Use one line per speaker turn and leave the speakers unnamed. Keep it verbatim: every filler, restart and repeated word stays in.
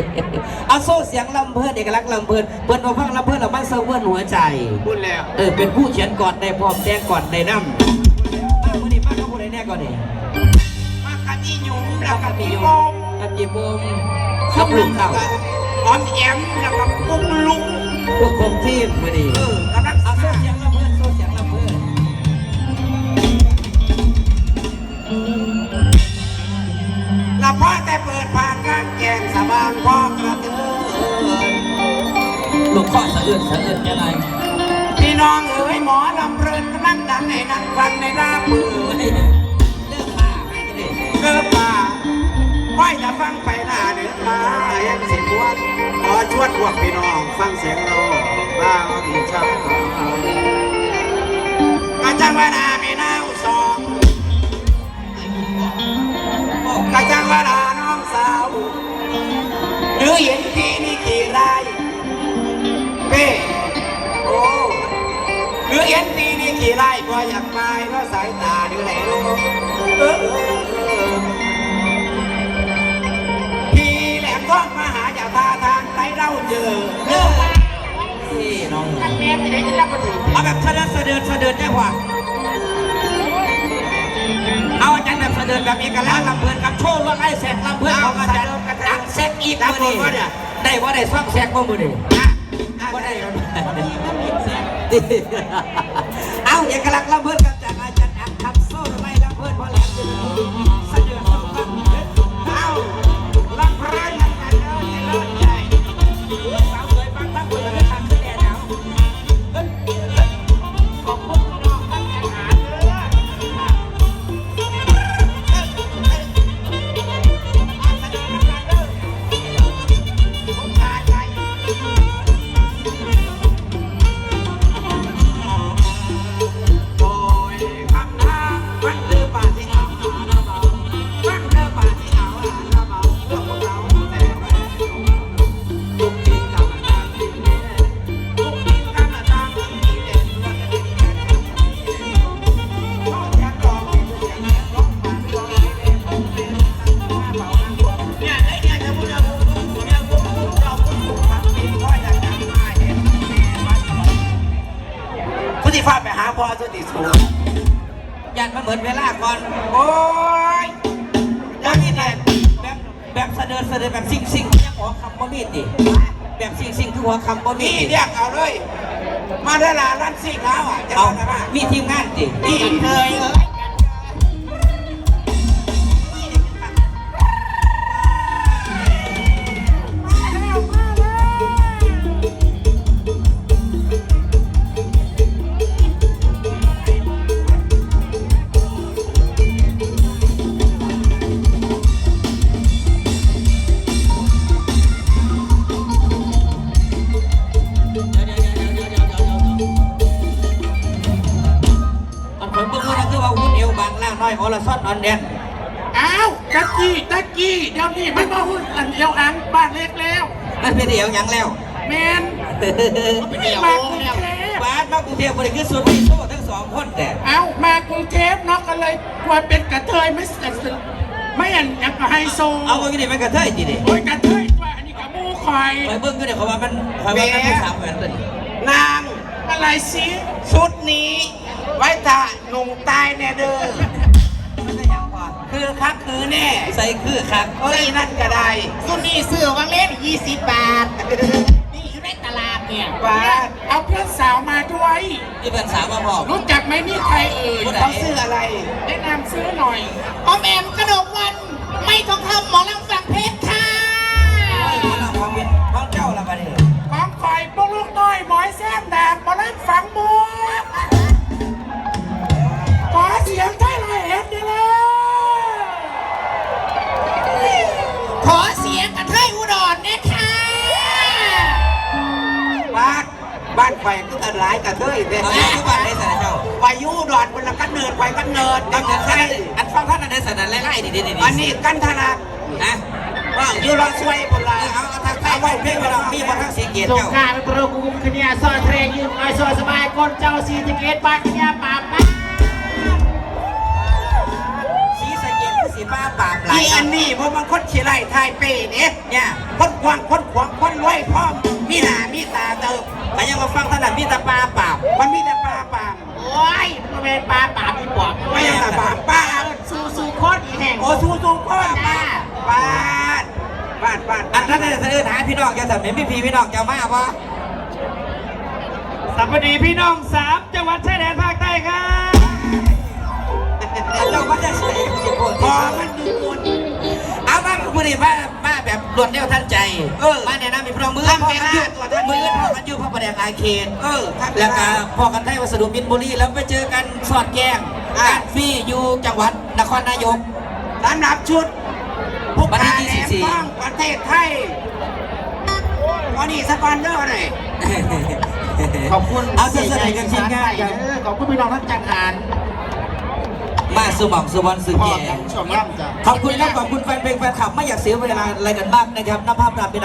เอาโซ่เสียงลำเพลินเอกลักษณ์ลำเพลินเปิ้นมาฟังลำเพลินเราบ้านเซอร์เวิร์นหัวใจ
พูดแล้ว
เออเป็นผู้เขียนก่อนในพร้อมแจ้งก่อนในน้ำมาวันนี้มาเขาพูดอะไรแน่ก่อนนี่
มากันอีหยุ่มแล้วกันอีโมม
กับจีบมกับลุงเต่า
ออมแอมแล้วกับปุ้งลุง
พวกคงทีมวันนี้
เออกำลัง
เอาโซ่เสียงลำเพลินโซ่เสียงลำเพลิน
ละพ่อแต่เปิดผ่านกางแกงสบางพ่อกระเทือน
ลูกข้อสะอื้นสะอื้นยังไง
พี่น้องเอ๋ยหมอลำเพลินกำลังดังให้นั่งฟังในหน้ามือ
เลิกมาให้ดิ
เลิกมาค่อยจะฟังไปหน้าเดือดมายังสิบวันขอชวนพวกพี่น้องฟังเสียงเราบ้างดีช่างอาจารย์วนามีน้าสองกระจังวนาน้องสาวหรือเห็นพี่นี่กี่ไรเป้โอ้หรือเห็นพี่นี่กี่ไรก็อยากไปเพราะสายตาดูไหนรู้เออพี่แหลมทองมาหาจากท่าทางไหนเราเจอเออ
พี่น้อง
ท่านแม่ไปไหนจะรับมาถึง
เอาแบบเสด็จเสด็จเสด็จได้กว่าเอาอาจารย์แบบเสด็จแบบเอกลักษณ์ลำเพลินกับโชว์ว่าไอ้แสกลำเพลินของอาจารย์ดักแสกอีกมือนี่ได้ว่าได้ซ่อมแสกว่ามือนี่ว่าได้เอาเอกลักษณ์ลำเพลินกับจากอาจารย์อักทำโซ่ไม่ลำเพลินเพราะแหลมจะเสด็จเอาลำเพลินกันกันเอาเลิศใหญ่สาวสวยปังปังคนละทางขึ้นแดดเอาขอบคุณน้องท่านแข่งขันฟาดไปหาพ่อสุติสูยันมาเหมือนเวลาก่อนโอ้ยแล้วนี่เนี่ยแบบแบบเสด็จเสด็จแบบซิ่งซิ่งยังหัวคำบ่มีดิแบบซิ่งซิ่งคือหัวคำบ่มีนี่เรียกเอาเลยมาได้ละร้านซิ่งแล้วอ่ะเอามีทีมงานดินี่เคยเออน้อยโอลาซอนนอนเด่น
อ้าวตะกี้ตะกี้เดี๋ยวนี้มันมาหุ่นอันเดียวอังบ้านเล็กแล้ว
มันเป็นเดียวยังแล้ว
แมน
เป็นเดียวมากรุงเทพบ้านมากรุงเทพบริคือส่วนที่โซ่ทั้งสองคนแต่
เอ้ามากรุงเทพเนาะก็เลยกลัวเป็นกระเทยไม่เสร็จไม่อันยังก็ไฮโซ
เอาเมื่อกี้มันกระเทยจีดิ
โอ้ยกระเทยตัวอันนี้กับมูคอย
ไปเบิ้งก็เดี๋ยวเขาว่ามันเขาว่ามันเป็นสามเหมือนกัน
นาง
อะไรสิ
ชุดนี้ไว้ถ่าหนุ่มตายแน่เด้อคือคักคือแน่
ใส่คือคัก
เอ้ยนั่นก็ได้
สุนี่ซื้อวังเล่นยี่สิบบาทนี่อยู่ในตลาดเนี่ย
บาท
เอาเพื่อนสาวมาด้วย
ที่เพื่อนสาวมาบอก
รู้จักไหมนี่ใครเอ่ย
เขาซื้ออะไร
แนะนำซื้อหน่อยออมแอมกระดกวันไม่ทองคำหมอลำฝั่งเพชรค่ะ
หมอลำฝั่งเพชรของเจ้าละบัดนี้
ของคอยพวกลูกน้อยหมอยแซมแดงหมอลำฝั่งบัวขอเสียงไทยลอยเอ็ดดีเลยขอเสียงกระเทยอุดรเนี่ยค่ะ
บ้านบ้านไฟก็อันร้ายกระเทยเป็น
เอาอยู่บ้านได้สารเจ้า
ไปยูดอนคนละกันเนิร์ดไปกันเนิร์ด
กันเนิร์ดใช่อันฟังท่านอันได้สารไล่ไล่ดิดิดิ
อันนี้กันธนา
นะ
ว่ายูรอช่วยคนละ
เอาทางใต้ไว้เพ่งไปเรามีบนทางสีเกียรติ
เจ้าส่งการเป็นประกุมขณีซอยเทรยืมไอซอยสบายคนเจ้าสีสเกตบ้านขณีป่าป้า
สีสเกตคือสีป้าป่าไหล
อันนี้เพราะมันคนขี้ไล่ไทยเป้เนี่ยเนี่ยคนควว่างคนขวางคนรวยพ่อมมีหน้ามีตาเติบ
แต่ยังมาฟังถนัดมีแตาปลาเปล่า
มันมีแต่ปลาปาม
โอ้ยมันเป็นปลาป่าพี่ปอบ
ไม่ใช่แต่ปลาปลา
ซูซูโคตรอีแห่ง
โอ้สูสูพ่อ
จ้า
บ้านบ้านบ้าน
อันนั้นจะเดินหาพี่น้องจะแต่ไม่มีพี่พี่น้องจะมาปะ
สวัสดีพี่น้องสามจังหวัดชายแดนภาคใต้ครับ
เจ้าก็จะเฉยสิบคน
พอมันดูบุญ
เอามาพูดดิมามาแบบรวดเร็วทันใจเออมาแนะนำพี่น้องมือพอกันอยู่มือพอกันอยู่พระประแดงอาเคนเออแล้วก็พอกันไทยวัสดุมินบุรีแล้วไปเจอกันสอดแกงงานฟรีอยู่จังหวัดนครนายก
สำหรับชุดผู้
วัน
กา
ที่
รแหล
ยี่สิบสี่
มต้องประเทศไทยวันนี้สปอนเซอร์หน่อย
ขอบคุณ
เอาเสียใจกันชิ้นง่ายครับ
เออขอบคุณพี่น้องทั้งจังหาร
มาสุหม่องสุวรรณสุ
พ่อ
แย่
ทั้งชมร่ำจ้ะ
ขอบคุณครับขอบคุณแฟนเพลงแฟนคลับไม่อยากเสียเวลาอะไรกันมากนะครับน้ำภาพตามเป็น